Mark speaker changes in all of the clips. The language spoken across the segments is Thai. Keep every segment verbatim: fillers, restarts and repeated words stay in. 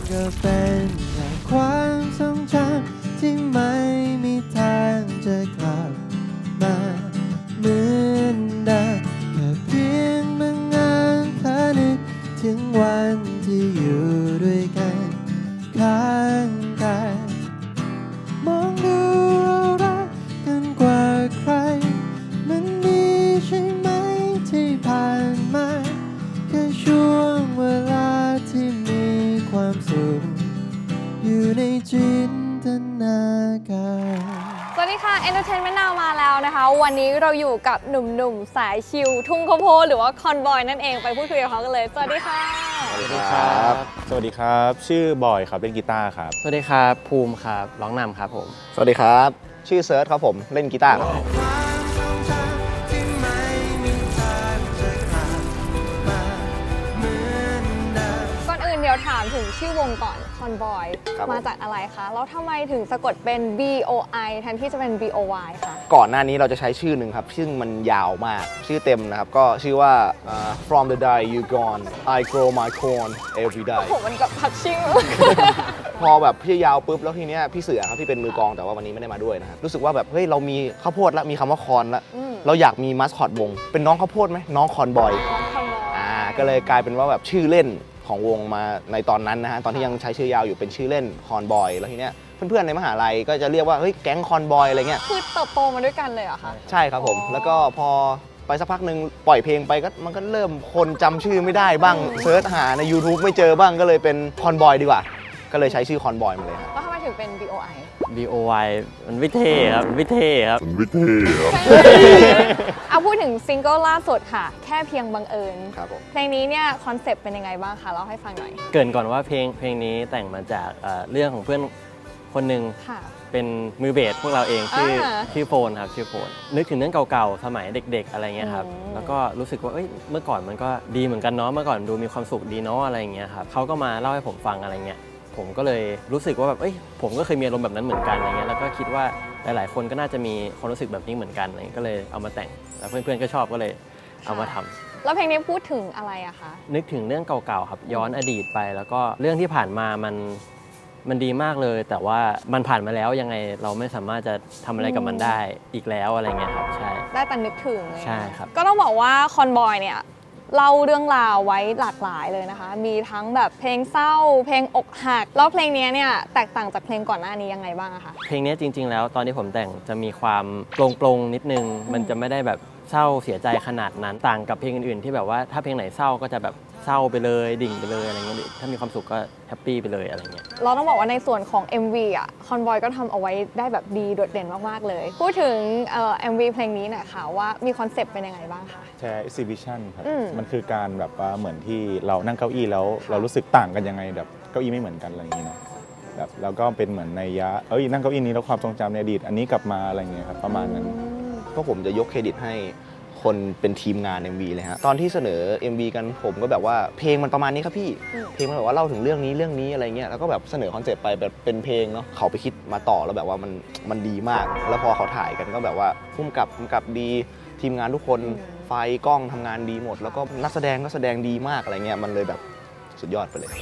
Speaker 1: ก็เป็นแค่ความทรงจำที่ไม่มีทางจะกลับมาเหมือนเดิมแค่เพียงบางงานเธอนึกถึงวันที่อยู่ด้วยกันข้างกันมองดูเรารักกันกว่าใครมันมีใช่ไหมที่ผ่านมาแค่ช่วงเวลาที่มีความสุขอยู่ในจินตนาการ
Speaker 2: สวัสดีค่ะ Entertainment Now มาแล้วนะคะ วันนี้เราอยู่กับหนุ่มๆสายชิลทุ่งข้าวโพดหรือว่าคอนบอยนั่นเองไปพูดคุยกับเขากันเลยสวัสดีค่ะ
Speaker 3: สวัสดีครับสวัสดีครับชื่อบอยครับเล่นกีตาร์ครับ
Speaker 4: สวัสดีครับภูมิครับร้องนำครับผม
Speaker 5: สวัสดีครับชื่อเซิร์ชครับผมเล่นกีตาร์ครับ
Speaker 2: ก่อนอื่นเดี๋ยวถามถึงชื่อวงก่อนคอนบอยมาจากอะไรคะแล้วทำไมถึงสะกดเป็น B O I แทนที่จะเป็น B O Y คะ
Speaker 5: ก่อนหน้านี้เราจะใช้ชื่อหนึ่งครับซึ่งมันยาวมากชื่อเต็มนะครับก็ชื่อว่า uh, From the day you gone I grow my corn every day
Speaker 2: โอ้โหมันกับพักชื่อ
Speaker 5: พอแบบพี่ยาวปุ๊บแล้วทีเนี้ยพี่เสือครับที่เป็นมือกลองแต่ว่าวันนี้ไม่ได้มาด้วยนะครับรู้สึกว่าแบบเฮ้ยเรามีข้าวโพดแล้วมีคำว่าคอนแล้วเราอยากมีมัสคอตวงเป็นน้องข้าวโพดไหมน้องคอนบอยอ่าก็เลยกลายเป็นว่าแบบชื่อเล่นของวงมาในตอนนั้นนะฮะตอนที่ยังใช้ชื่อยาวอยู่เป็นชื่อเล่นคอนบอยแล้วทีเนี้ยเพื่อนๆในมหาลัยก็จะเรียกว่าเฮ้ยแก๊งคอนบอยอะไรเงี้ย
Speaker 2: คือเติบโตมาด้วยกันเลยเหรอคะ
Speaker 5: ใช่ครับผมแล้วก็พอไปสักพักหนึ่งปล่อยเพลงไปก็มันก็เริ่มคนจำชื่อไม่ได้บ้างเซิร์ชหาใน YouTube ไม่เจอบ้างก็เลยเป็นคอนบอยดีกว่าก็เลยใช้ชื่อคอนบอยมาเลยครับ
Speaker 2: แล้วทำไมถึงเป็น B O I
Speaker 4: B O Y มันวิเท่ครับวิเท่ครับ
Speaker 3: วิเท่ครับ
Speaker 2: เอาพูดถึงซิงเกิลล่าสุดค่ะแค่เพียงบังเอิญ
Speaker 5: ครับผม
Speaker 2: เพลงนี้เนี่ยคอนเซปต์เป็นยังไงบ้างคะเล่าให้ฟังหน่อย
Speaker 4: เกริ่นก่อนว่าเพลงเพลงนี้แต่งมาจากเอ่อเรื่องของเพื่อนคนหนึ่งเป็นมือเบสพวกเราเองชื่อชื่อโฟนครับชื่อโฟนนึกถึงเรื่องเก่าๆสมัยเด็กๆอะไรเงี้ยครับแล้วก็รู้สึกว่าเอ้ยเมื่อก่อนมันก็ดีเหมือนกันเนาะเมื่อก่อนดูมีความสุขดีเนาะอะไรเงี้ยครับเขาก็มาเล่าให้ผมฟังอะไรเงี้ยผมก็เลยรู้สึกว่าแบบเอ้ยผมก็เคยมีอารมณ์แบบนั้นเหมือนกันอะไรเงี้ยแล้วก็คิดว่าหลายๆคนก็น่าจะมีความรู้สึกแบบนี้เหมือนกันอะไรก็เลยเอามาแต่งแล้วเพื่อนๆก็ชอบก็เลยเอามาทำ
Speaker 2: แล้วเพลงนี้พูดถึงอะไรอะคะ
Speaker 4: นึกถึงเรื่องเก่าๆครับย้อนอดีตไปแล้วก็เรื่องที่ผ่านมามันมันดีมากเลยแต่ว่ามันผ่านมาแล้วยังไงเราไม่สามารถจะทำอะไรกับมันได้อีกแล้วอะไรเงี้ยครับใช่
Speaker 2: ได้แต่นึกถึง
Speaker 4: ใช่ครับ
Speaker 2: ก็ต้องบอกว่าคอนบอยเนี่ยเล่าเรื่องราวไว้หลากหลายเลยนะคะมีทั้งแบบเพลงเศร้าเพลงอกหักแล้วเพลงนี้เนี่ยแตกต่างจากเพลงก่อนหน้านี้ยังไงบ้างอะคะ
Speaker 4: เพลงนี้จริงๆแล้วตอนที่ผมแต่งจะมีความโปร่งๆนิดนึงมันจะไม่ได้แบบเศร้าเสียใจขนาดนั้นต่างกับเพลงอื่นๆที่แบบว่าถ้าเพลงไหนเศร้าก็จะแบบเศร้าไปเลยดิ่งไปเลยอะไรเงี้ยถ้ามีความสุขก็แฮปปี้ไปเลยอะไรเงี้ย
Speaker 2: เราต้องบอกว่าในส่วนของ เอ็ม วี อ่ะคอนบอยก็ทำเอาไว้ได้แบบดีโดดเด่นมากๆเลยพูดถึงเอ่อ เอ็ม วี เพลงนี้หน่อยค่ะว่ามีคอนเซปต์เป็นยังไงบ้างคะ
Speaker 3: แชร์ exhibition ครับมันคือการแบบว่าเหมือนที่เรานั่งเก้าอี้แล้วเรารู้สึกต่างกันยังไงแบบเก้าอี้ไม่เหมือนกันอะไรอย่างนี้เนาะแบบแล้วก็เป็นเหมือนในยะเอ้ยนั่งเก้าอี้นี้แล้วความทรงจำในอดีตอันนี้กลับมาอะไรเงี้ยครับประมาณนั้น
Speaker 5: ก็ผมจะยกเครดิตให้คนเป็นทีมงาน เอ็ม วี เลยฮะตอนที่เสนอ เอ็ม วี กันผมก็แบบว่าเพลงมันประมาณนี้ครับพี่เพลงมันแบบว่าเล่าถึงเรื่องนี้เรื่องนี้อะไรเงี้ยแล้วก็แบบเสนอคอนเซ็ปต์ไปแบบเป็นเพลงเนาะเขาไปคิดมาต่อแล้วแบบว่ามันมันดีมากแล้วพอเขาถ่ายกันก็แบบว่าพุ่มกับพุ่มกับดีทีมงานทุกคนไฟกล้องทำงานดีหมดแล้วก็นักแสดงก็แสดงดีมากอะไรเงี้ยมันเลยแบบสุดยอดไปเลย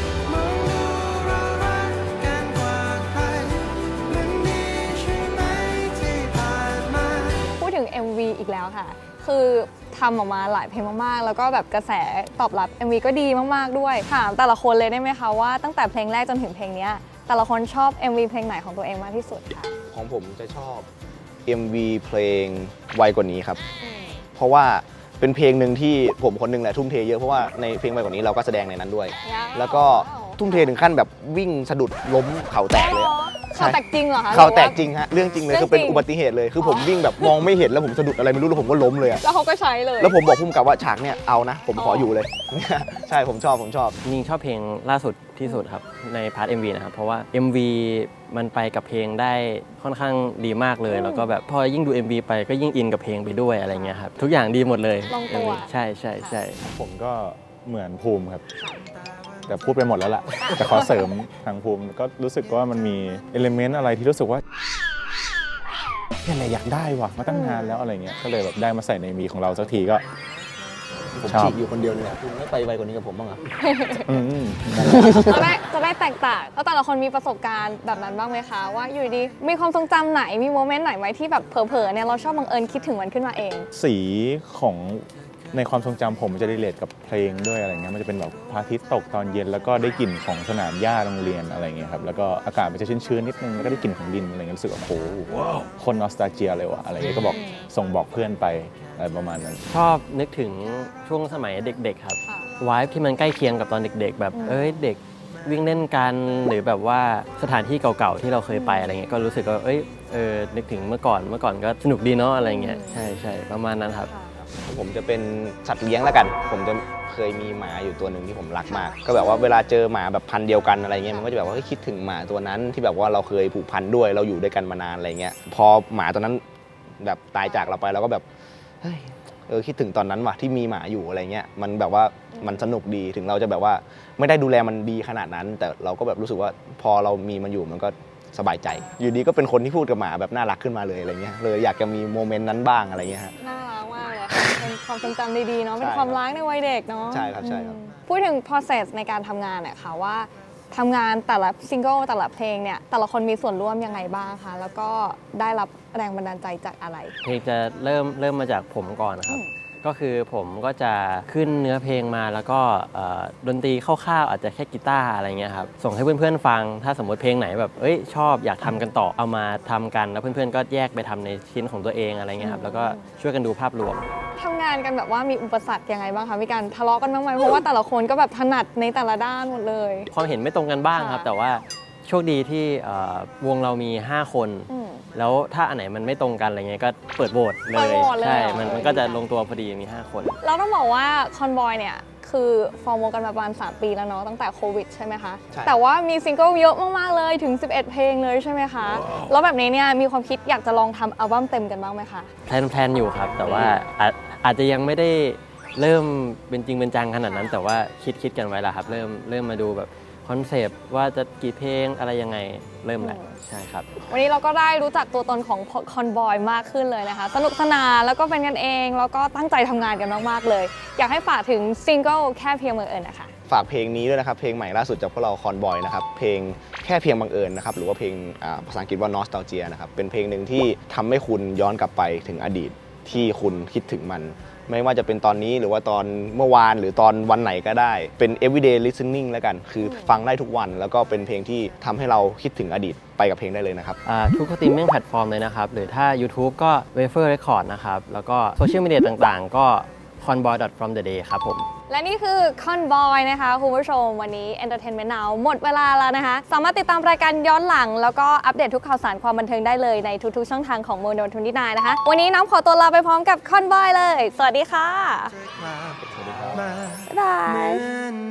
Speaker 2: พูดถึง เอ็ม วี อีกแล้วค่ะคือทำออกมาหลายเพลงมากๆแล้วก็แบบกระแสตอบรับ เอ็ม วี ก็ดีมากๆด้วยถามแต่ละคนเลยได้ไหมคะว่าตั้งแต่เพลงแรกจนถึงเพลงนี้แต่ละคนชอบ เอ็ม วี เพลงไหนของตัวเองมากที่สุดคะ
Speaker 5: ของผมจะชอบ เอ็ม วี เพลงไวกว่านี้ครับเพราะว่าเป็นเพลงหนึ่งที่ผมคนหนึ่งแหละทุ่มเทเยอะเพราะว่าในเพลงไวกว่านี้เราก็แสดงในนั้นด้วยแล้วก็ทุ่มเทถึงขั้นแบบวิ่งสะดุดล้มเข่าแตกเลย
Speaker 2: เข่าแตกจริงเหรอคะ
Speaker 5: เข่าแตกจริงฮะเรื่องจริงเลยคือเป็นอุบัติเหตุเลยคือผมวิ่งแบบมองไม่เห็นแล้วผมสะดุดอะไรไม่รู้แล้วผมก็ล้มเลย
Speaker 2: แล้วเขาก็ใช้เลย
Speaker 5: แล้วผมบอกพุ่มกับว่าฉากเนี่ยเอานะผมขออยู่เลยใช่ผมชอบผมชอบ
Speaker 4: จริงชอบเพลงล่าสุดที่สุดครับในพาร์ท เอ็ม วี นะครับเพราะว่า เอ็ม วี มันไปกับเพลงได้ค่อนข้างดีมากเลยแล้วก็แบบพอยิ่งดู เอ็ม วี ไปก็ยิ่งอินกับเพลงไปด้วยอะไรเงี้ยครับทุกอย่างดีหมดเลย
Speaker 2: ลงตัว
Speaker 4: ใช่ใช่ใช่
Speaker 3: ผมก็เหมือนภูมิครับแต่พูดไปหมดแล้วล่ะแต่ขอเสริมทางภูมิก็รู้สึกว่ามันมีเอลิเมนต์อะไรที่รู้สึกว่าเนี่ยแหละอยากได้ว่ะมาตั้งนานแล้วอะไรเงี้ยก็เลยแบบได้มาใส่ในมีของเราสักทีก็
Speaker 5: ผมฉีกอยู่คนเดียวเลยคุณไม่ไปไวกว่านี้กับผมบ้างเหรอ
Speaker 2: จะได้จะได้กต่างแล้วแต่ละคนมีประสบการณ์แบบนั้นบ้างไหมคะว่าอยู่ดีมีความทรงจำไหนมีโมเมนต์ไหนไหมที่แบบเผลอๆเนี่ยเราชอบบังเอิญคิดถึงมันขึ้นมาเอง
Speaker 3: สีของในความทรงจำผมจะรีเลทกับเพลงด้วยอะไรเงี้ยมันจะเป็นแบบพระอาทิตย์ตกตอนเย็นแล้วก็ได้กลิ่นของสนามหญ้าโรงเรียนอะไรเงี้ยครับแล้วก็อากาศมันจะชื้นๆนิดนึงแล้วก็ได้กลิ่นของดินอะไรเงี้ยรู้สึกว่าโอ้โหคนนอสตาเจียเลยว่ะอะไรเงี้ยก็บอกส่งบอกเพื่อนไปอะไรประมาณนั้น
Speaker 4: ชอบนึกถึงช่วงสมัยเด็กๆครับวายที่มันใกล้เคียงกับตอนเด็กๆแบบเอ้ยเด็กวิ่งเล่นกันหรือแบบว่าสถานที่เก่าๆที่เราเคยไปอะไรเงี้ยก็รู้สึกว่าเอ้ยเออนึกถึงเมื่อก่อนเมื่อก่อนก็สนุกดีเนาะอะไรเงี้ยใช่ใช่ประมาณนั้นครับ
Speaker 5: ผมจะเป็นสัตว์เลี้ยงแล้วกันผมจะเคยมีหมาอยู่ตัวหนึ่งที่ผมรักมากก็แบบว่าเวลาเจอหมาแบบพันธุ์เดียวกันอะไรเงี้ยมันก็จะแบบว่าคิดถึงหมาตัวนั้นที่แบบว่าเราเคยผูกพันด้วยเราอยู่ด้วยกันมานานอะไรเงี้ยพอหมาตัวนั้นแบบตายจากเราไปเราก็แบบเฮ้ยเออคิดถึงตอนนั้นว่ะที่มีหมาอยู่อะไรเงี้ยมันแบบว่ามันสนุกดีถึงเราจะแบบว่าไม่ได้ดูแลมันดีขนาดนั้น แต่เราก็แบบรู้สึกว่าพอเรามีมันอยู่มันก็สบายใจอยู่ดีก็เป็นคนที่พูดกับหมาแบบน่ารักขึ้นมาเลยอะไรเงี้ยเลยอยากจะมีโมเมนต์นั้นบ้างอะไรเงี้ยฮะ
Speaker 2: น่ารักมากเลยค่ะเป็นความทรงจำดีๆเนาะเป็นความรักในวัยเด็กเนาะ
Speaker 5: ใช่ครับใช่ครับ
Speaker 2: พูดถึง process ในการทำงานเนี่ยค่ะว่าทำงานแต่ละซิงเกิลแต่ละเพลงเนี่ยแต่ละคนมีส่วนร่วมยังไงบ้างคะแล้วก็ได้รับแรงบันดาลใจจากอะไร
Speaker 4: เพลงจะเริ่มเริ่มมาจากผมก่อนนะครับก็คือผมก็จะขึ้นเนื้อเพลงมาแล้วก็ดนตรีคร่าวๆอาจจะแค่กีตาร์อะไรเงี้ยครับส่งให้เพื่อนๆฟังถ้าสมมติเพลงไหนแบบเอ้ยชอบอยากทำกันต่อเอามาทำกันแล้วเพื่อนๆก็แยกไปทำในชิ้นของตัวเองอะไรเงี้ยครับแล้วก็ช่วยกันดูภาพรวม
Speaker 2: ทำงานกันแบบว่ามีอุปสรรคยังไงบ้างคะมีการทะเลาะกันบ้างไหมเพราะว่าแต่ละคนก็แบบถนัดในแต่ละด้านหมดเลย
Speaker 4: ความเห็นไม่ตรงกันบ้างครับแต่ว่าโชคดีที่วงเรามีห้าคนแล้วถ้าอันไหนมันไม่ตรงกันอะไรเงี้ยก็เปิดโหวตเลยใช่มันมันก็จะลงตัวพอดีมีห้าคน
Speaker 2: แล้วต้องบอกว่าคอนบอยเนี่ยคือฟอร์มวงกันมาประมาณสามปีแล้วเนาะตั้งแต่โควิดใช่ไหมคะแต่ว่ามีซิงเกิลเยอะมากๆเลยถึงสิบเอ็ดเพลงเลยใช่ไหมคะแล้วแบบนี้เนี่ยมีความคิดอยากจะลองทำอัลบั้มเต็มกันบ้างไหมคะ
Speaker 4: แพลนแพลนอยู่ครับแต่ว่าอาจจะยังไม่ได้เริ่มเป็นจริงเป็นจังขนาดนั้นแต่ว่าคิดคิดกันไว้แล้วครับเริ่มเริ่มมาดูแบบคอนเซปต์ว่าจะกี่เพลงอะไรยังไงเริ่มแล้วใช่ครับ
Speaker 2: วันนี้เราก็ได้รู้จักตัวตนของคอนบอยมากขึ้นเลยนะคะสนุกสนานแล้วก็เป็นกันเองแล้วก็ตั้งใจทำงานกันมากๆเลยอยากให้ฝากถึงซิงเกิลแค่เพียงบังเอิญนะคะ
Speaker 5: ฝากเพลงนี้ด้วยนะครับเพลงใหม่ล่าสุดจากพวกเราคอนบอยนะครับเพลงแค่เพียงบังเอิญนะครับหรือว่าเพลงภาษาอังกฤษว่า Nostalgia นะครับเป็นเพลงหนึ่งที่ทำให้คุณย้อนกลับไปถึงอดีตที่คุณคิดถึงมันไม่ว่าจะเป็นตอนนี้หรือว่าตอนเมื่อวานหรือตอนวันไหนก็ได้เป็น everyday listening แล้วกันคือฟังได้ทุกวันแล้วก็เป็นเพลงที่ทำให้เราคิดถึงอดีตไปกับเพลงได้เลยนะครับ
Speaker 4: ทุกสตรีมมิ่งแพลตฟอร์มเลยนะครับหรือถ้า YouTube ก็ Wafer Record นะครับแล้วก็โซเชียลมีเดียต่างๆก็ conboy from the day ครับผม
Speaker 2: และนี่คือ Conboy นะคะคุณผู้ชมวันนี้ Entertainment Now หมดเวลาแล้วนะคะสามารถติดตามรายการย้อนหลังแล้วก็อัปเดตทุกข่าวสารความบันเทิงได้เลยในทุกๆช่องทางของ Mono ยี่สิบเก้านะคะวันนี้น้องขอตัวลาไปพร้อมกับ Conboy เลยสวัสดีค่ะ
Speaker 1: สวัสดีครับ
Speaker 2: บ๊ายบาย